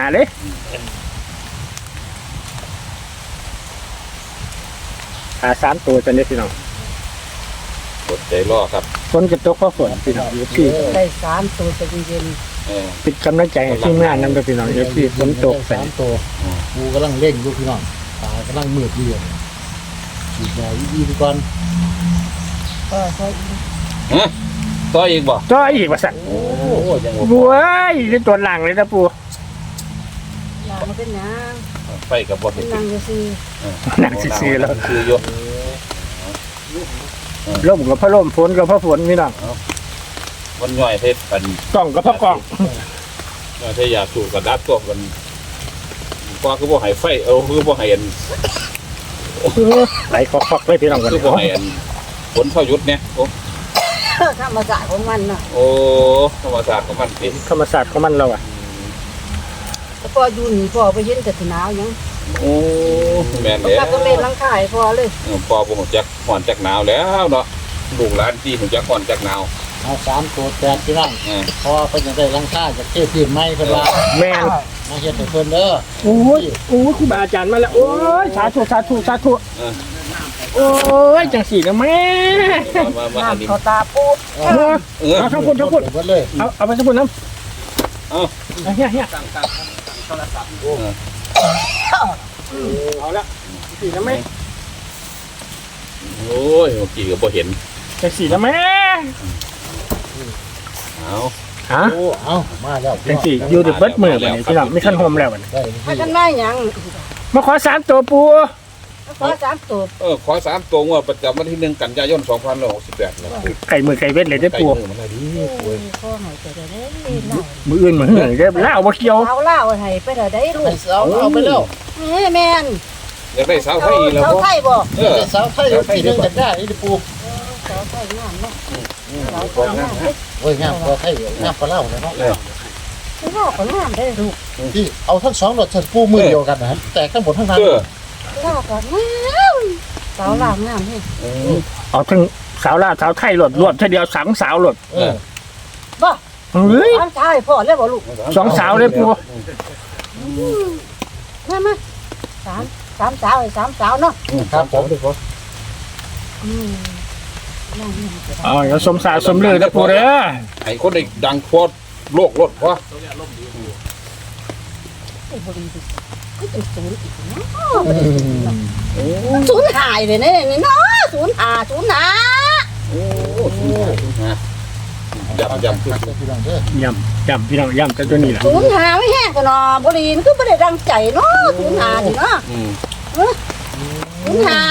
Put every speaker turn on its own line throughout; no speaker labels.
เลยหา3 ตัวจะได้พี่น้อง
กดใจรอครับ
ฝนกับตกเพราะฝนพี่น้องพี่
ได้3 ตัวจะเย็น
ปิดกำลังใจให้ทีมงานนำพี่น้องพี่ฝนตก
3 ตัวกูกำลังเร่งอยู่พี่น้องตากำลังมืดอยู่ฉีดยาอีกก่อน
ใช่
ต่ออีกบ่
จ่ออีกว่าสั่น
โอ้ยัง
บัวนี่ตัวหลังเลยนะปู
หลังเป็นหยัง
ไปกับบ่
เป็นหลังจะซื้อ
หนังซื่อแล้ว
คืออยู่
ลมกับพระลมฝนกับพระฝนพี่น้อง
มันย่อยเทศกัน
กล้องกับพระกล้อง
ย่อยเทอยากสูกับดับตัวกันกว่าคือบ่ให้ไฟคือบ่ให้
ไหลคอกๆเลยพี่น้องกัน
คือบ่ให้ฝนพายุเนี่ยโอ้
ธรรมชาติของมันน่ะ
โอ้ธรรมชาติของมันสิ
ธรรมศาสตร์ของมันเรา
แต่พออยู่นี่พอไปเห็นแต่หนาวยัง
โอ้แม่นแล้ว
ก็เล่นลังคายพอเลย
พอบ่ฮู้จักฮ้อนจักหนาวแล้วเนาะลูกหลานที่ฮู้จักฮ้อนจักหนาว
เอา3 ตัวแตกพี่น้องพอเพิ่นจะได้ลังค่าจากเทพทีมใหม่เพิ่นว่า
แม่น
มาเฮ็ดให้เพิ่นเด้อ
โอ้ยครูบาอาจารย์มาแล้วโอ้ยสาธุโอ้ยจังสีนะแม่
มา
น้ำเขาตาปู
เอาทั้งคน
เลย
เอาไปทั้งคนน้ำเฮียโทรศัพท์เอาละสีนะแม่
โอ้ยเมื่อกี้ก็บ่เห็น
จังสีนะแม่
เอามาแล้ว
จังสีอยู่ในเบิดมือวันนี้พี่น้องไม่ขั้นโฮมแล้ววันนี้
ให้กันได้ยัง
มาขอ3 ตัวปู
ขอ3 ตัว
ขอ3 ตัวงวดประจำวันที่1 กันยายน 2568นะ
ไก่มือไก่เวทเลยได้ปู
มันได้ดี
พ่อให้ไปได้
มืออื่นเหมือนเหนื่อยได้เล่าบ่เกี่ยว
เล่าให้ไปได้ลูก
เอาไปแล้ว
แม่น
อยากได้สาวไทยแล้ว
สาวไทยบ่
สาวไทยที่นึงจะได้นี่ปู
สาวไทยงามเนาะสาวไทยงาม
โอ้ยงามกว่าไทยงามกว่าเล่าเลยเนาะ
เล่าก็งามได้ลูก
ที่เอาทั้ง2รสชาติปูมือเดียวกันนะแต่ทั้งหมดทั้งนั้น
เล่าก็งามสาวลาวงามเฮ้
เอาทั้งสาวลาวสาวไทยหลดรวมทีเดียว2 สาวหลด
บ่
เฮ้ย
ใช่พ่อแล้วบ่ลูก
2 สาวเลยปู
มา3 สาวให้3 สาวเนาะ
ครับผม
อย่าสมสารสมลือนะปูเด้อ
ไอ้คนได้ดังทั่วโลกรถวะ
ศูนย์หายเลยเนี่ยเนาะศูนย์หา
โอ้ยำ
พี่น้องแต่ตัวนี้แหละ
ศูนย์หาไม่แห้งกันเนาะบรินก็ไม่ได้ดังใจเนาะศูนย์หาดิเนาะศูนย์หา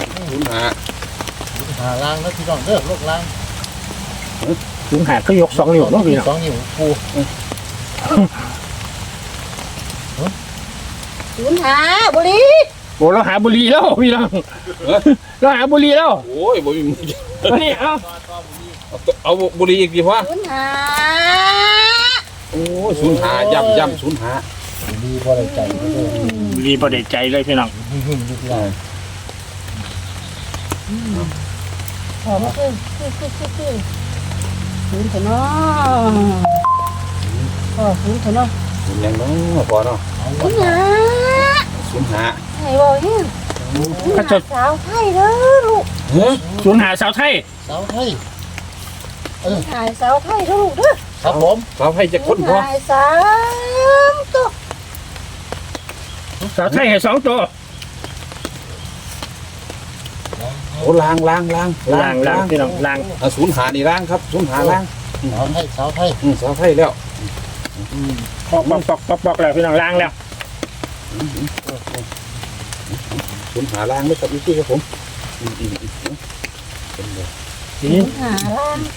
ล้างแล้วพี่น้องเด้อโรคล้าง
ศูนย์หาเขายก2 นิ้วเนาะพี่น้อง
2 นิ้วปู
ศูนย์หาบุรี
โอ้เราหาบุรีแล้วพี่น้องเราหาบุรีแล้ว
โอ้ยบ่มีมื
อนี่
เอาบุรีอีกดีวะ
ศูนย์หา
โอ้ศูนย์หาย่ำศูนย์หา
ดีบ่ได้ใจเลย
ดีบ่ได้ใจเลยพี่น้อง
พอมาคือศูนย์เถอะเนาะพอศูนย์เถอะเนาะ
ศูนย์ยังเนาะพอเนาะ
ศูนย์หาไอ้บ่เห็นสาวไทยเด้อลูก
ศูนย์หาสาวไทย
สาวไทย
หายสาวไทยเด้อลูกเด้อ
ครับผม
สาวไทยจะคนพอ
หาย3 ตัว
สาวไทยให้2 ตัว
โอ้ล้างพี่น้องล้างศูนย์หานี่ล้างครับศูนย์หาล้าง
สาวไทย
แล้ว
ปอกแล้วพี่น้องล้างแล้ว
ศูนย์หาล้างไม่กับพี่ครับผม
ศูนย์หาล้าง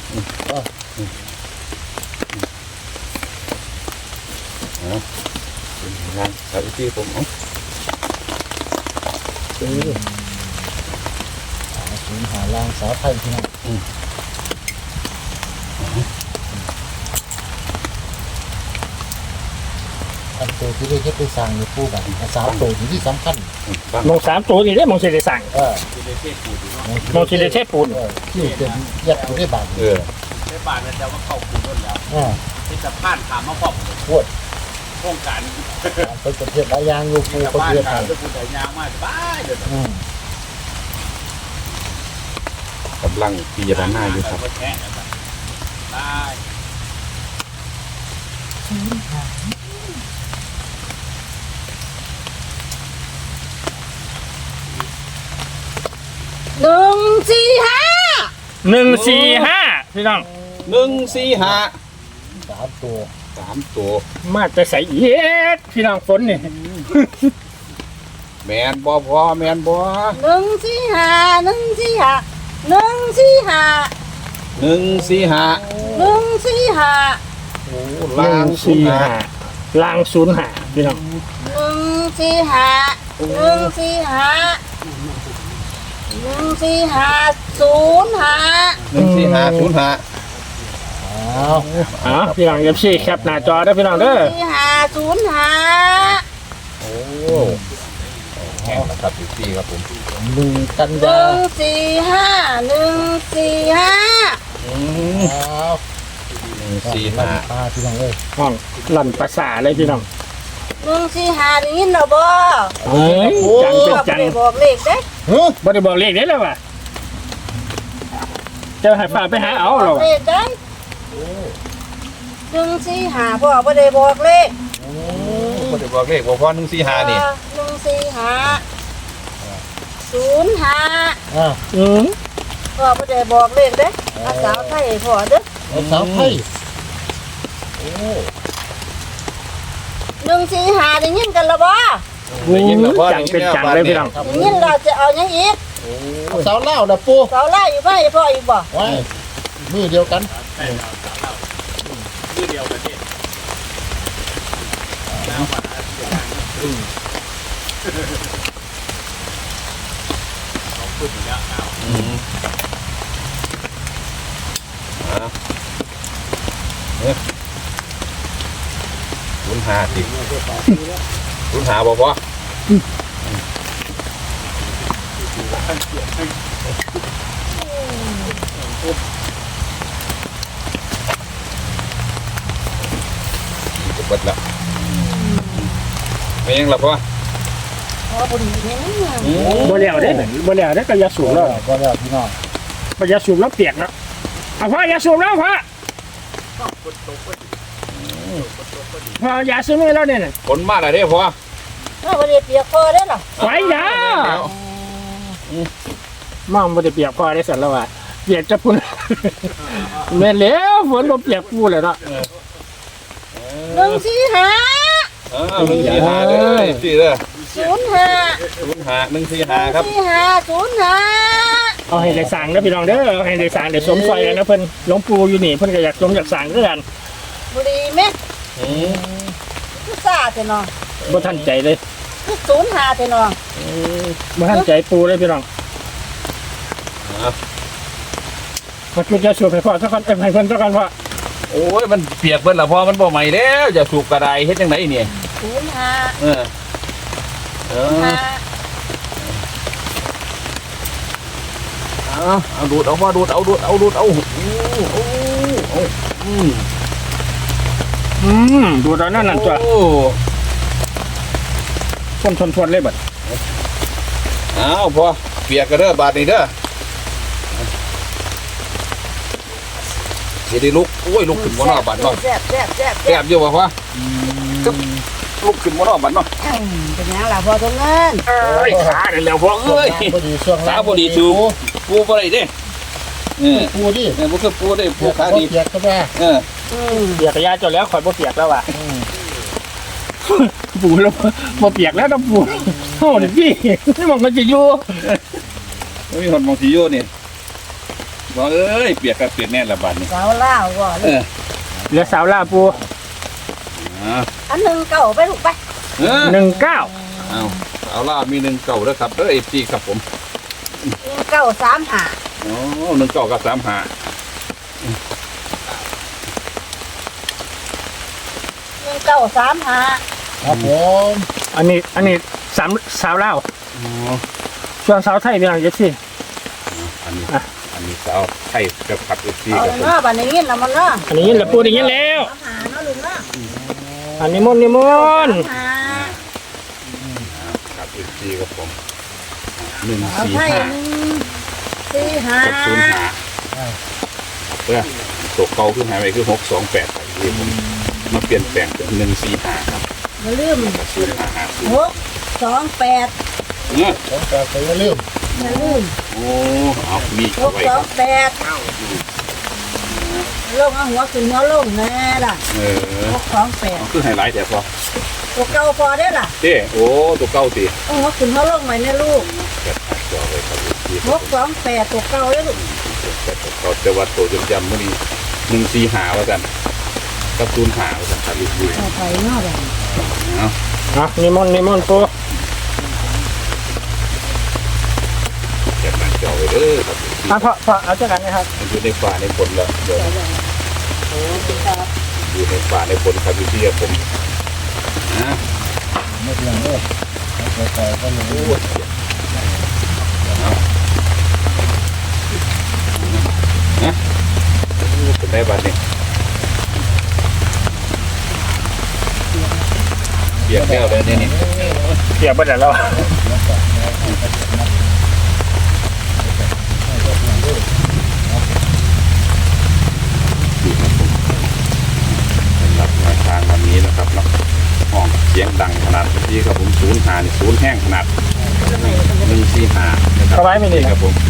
ล้างกับพี่ผม
ศูนย์หาล้างสาวไทยพี่น้องอันตัวที่ได้ไปสั่งในปูกัน3 ตัวที่สำคัญ
มอง3 ตัวนี่ได้มองสิได้สั่งมองสิได้เทปูน
ที่เป็นยัดอยู่ในบ้าน
ในบ้านนั่นจะว่าเข้าปูนแล้วที่สะพานถามมาพร้อม
ปวด
โครงการ
ไปประเทศหลายอย่างอยู่ปูประ
บ้าน
เทศ
กา
ไท
ร
ย
จะพูดแต่ยางมากบ้าเดี๋ยว
อืม
กำลังพิจารณาอยู่ครับได้
หนึ่งสี่ห้า
145พี่น้อง
145
3 ตัว
3 ตัว
มาจะใส่เย็ดพี่น้องฝนนี่
แมนบ่พอแมนบ่
หนึ่งสี่ห้าหนึ่งสี่ห้าหนึ่งสี่ห้า
145
หนึ่งสี่ห้า
โอ้ล่างสุดนะ
145ล่าง05พี่น้อง
หนึ่งสี่ห้าหนึ่งสี่ห้าหนึ่งสี่ห้าศูนย์ห้า
14505
อ้าว
พี่น้องFCแคปหน้าจอได้อพี่น้องเด้อ
สี่ห้าศูนย์ห้า
โอ้แข่งนะครับพี่ครับผม
1 กัน
ห
ยา
นึ่งสี่ห้าหนึ่งสี่ห้า
อ้าว
145
พี่น้องเอ้ย
ห้องลั่นภาษาเลยพี่น้อง
หนึ่งสี่ห้าได้ยินหรอบ่
เฮ้ยจังเป็นจัง
บ่ได้บอกเลขเด้
เฮ้ย
บ่ได้บอกเลขได้แล้วว่ะจะให้ฝากไปหาเอาหรอ
เลขได้หนึ่งสี่ห้าพ่อบ่ได้บอกเลข
บ่ได้บอกเลขบ่พอ145นี่
หนึ่งสี่ห้าศูนย์ห้า
อ่า
พ่อบ่ได้บอกเลขเด้อาสาวไทยพ่อเด้อ
เอาสาวไทยโอ้
หนึ่งสี่ห้าได้ยินกันแล้วบ่
ได้ยินแล้วพอ
จังเป็นจังเลยพี่น้อง
ได้ยินเราจะเอาหยังอีก
เอาสาวเล่าวนะปู
สาวไล่อยู่บ่พ่ออีกบ่
ไว้มือเดียวกัน
05สิ05บ่พอจะเบิดแล้วไม่ยังหลับวะ
พ่อบ่ดีแม่น
บ่แล้วเด้บ่แล้วเด้ก็อย่าสูบแล้ว
ก็แล้วพี่น้อง
บ่อย่าสูบแล้วเปียกแล้วเอาพ่ออย่าสูบแล้วพ่อพ่ออย่าซื้อมือแล้วเนี่ย
ผลมาแล้วเด้พอ
พ่อบ่ได้เปียกพ่อเด้อล่ะ
ไว้ยาม่อมบ่ได้เปียกพ่อได้สั่นแล้วว่ะเปียกจะพุ่นแม่นแล้วฝนบ่เปียกปูแล้วเนาะ
หนึ่งสี่ห้า
145เด้อสิเด้อ
ศูนย์ห้า
145ครับ
สี่ห้าศูนย์ห้า
เอาให้ได้สั่งเด้อพี่น้องเด้อเอาให้ได้สั่งได้สมซอยกันนะเพิ่นหลวงปู่อยู่นี่เพิ่นก็อยากสมอยากสั่งคือกัน
บ่ดีแม่คือซ่าแต่น้อง
บ่ทันใจเลย
คือศูนย์ห้าแต่น้อง
บ่ทันใจปูเลยพี่น้องมาจุดจะสูบให้พ่อสักคนให้เพิ่นสักคนพ่อ
โอ้ยมันเปียกเบิดละพอมันบ่ใหม่แล้วจะสูบกระไดเฮ็ดจังไดนี่
ศูนย์ห้า
เออ
ห้า
เอาดูดเอามาดูดเอา
ดูตอนนั้นนั่นตัวทนเลยบัด
เอาพอเปียกกันเด้อบาดนี้เด้อสิได้ลุกโอ้ยลุกขึ้นบ่เนาะบาดเนาะ
แซ่บ
แซ่บอยู่บ่พอก็ลุกขึ้นบ่เนาะบาดเนาะ
เป็นหยังล่ะพ่อตรงนั้น
เอ้ยขาเดี๋ยวแล้วพ่อเอ้ย
พอดีช่วง
ขาบ่ดีสูปูบ่ได้เด้เ
ปูดิ
บ่คือปูได้ปูขาดี
เปียกก็ได้
เปียกกระยาจนแล้วข่อยบ่เปียกแล้วว่ะปูแล้วบ่เปียกแล้วต้องปูโอ้นี่พี่นี่มันก็จะอยู่
มีคนมองสิอยู่นี่บ่เอ้ยเปียกกับเปียกแน่ละบาดนี้
สาวล่าวก่อน
เหลือสาวลาปู
อันหนึ่งเก่าไปลูกไป
19
เอาล่ามี1เก่าแล้วครับFC ครับผม
หนึ่งเก่าสามห้า
อ๋อ1เก่ากับ35
หนึ่งเก่าสามห้า
ครับผม
อันนี้สาวลาวส่วนสาวไทยพี่น้องจังซี่
อันนี้สาวไทยกับขับ FC
เอา
ครับผม
เนาะบัดนี้ยินแล้วมันเนาะ
อันนี้แหละปูอย่างนี้แล้ว
สามห้าเนาะลุงเนาะ
อันนี้มนต์นิมนต์
หา
ครับอีกทีครับผมหนึ่ง
เอา
สี่
ไพ่
ห้า
หนึ่งสี่หา
กับศูนย์ห้าเพื่อตัวเก่าขึ้นหายไปคือ628ครับที่ผมมาเปลี่ยนแปลงเป็น145ครับ
อย่าลืม
ศูนย์ห้าห้าศูนย์
628
เนี่ย
ของแต่ไปอย่าลืม
อย่าลืม
โอ้เอามีเอาไว้ครับ
628ลงเอาหัวขึ้นหัวลงแน่ล่ะ
เอาคือไฮไลท์แต่พอ
628ตัวเก่าพอได้ล่ะ
เต้โอ้ตัวเก่าสิ
เอาหัวขึ้นหัวลงใหม่เนี่ยลูก
แกะหักจอเลยครับที่
628ตัวเก่าได้ลูก
เขาจะวัดตัวจำๆมื่อนี้145ว่ากันกับ05ว่ากันครับอีกที
เอาไปเนาะแบบ
เนาะ
อ่ะนิมนต์ปู
แกะหน้าจอไว้เด้อครับ
อ่ะพอเอาเจ้ากันนะครับ
มันอยู่ในป่าในฝนแล้วเดี๋ยวอยู่ในป่าในฝนครับพี่ๆผมนะ
ไม่เพียงเด้อเอาแต่ก็ยัง
โอ้
รู้
ยเอานะเป็นได้บ้านนี่เปลี่ยนแก้วเลยเนี่ยนี่
เกี่ยวไปแล้ว
สำหรับแนวทางวันนี้นะครับเนาะห้องเสียงดังขนาดที่ครับผม05นี่0แห้งขนาด145นะครับ
สบายไหมนี่
ครับผม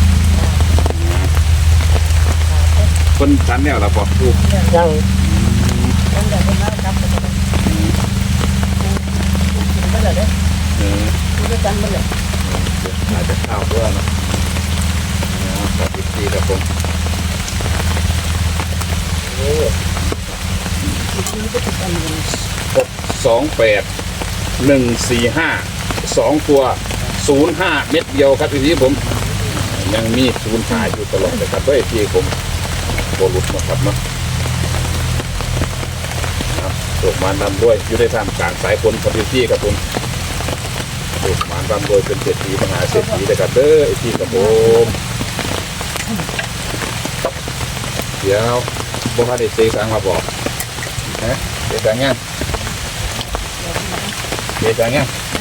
คนชั้นเนี่ยเราบอกดู
ยัง
อาจจะข้าวด้วยเนาะกับอีกทีครับผม628 145 2 ตัว 05 เม็ดเดียวครับอีกทีผมยังมี05อยู่ตลอดเลยครับด้วยที่ผมโบลุดนะครับเนาะตกมานำด้วยอยู่ในท่ามกลางสายฝนครับพี่ครับผมตกมานำด้วยเป็นเศรษฐีมหาเศรษฐีเลยครับเด้อไอ้พี่ครับผมเดี๋ยวพวกเขาได้เซ็สังมาบอกนะเซ็สังยังเซ็สังยัง
น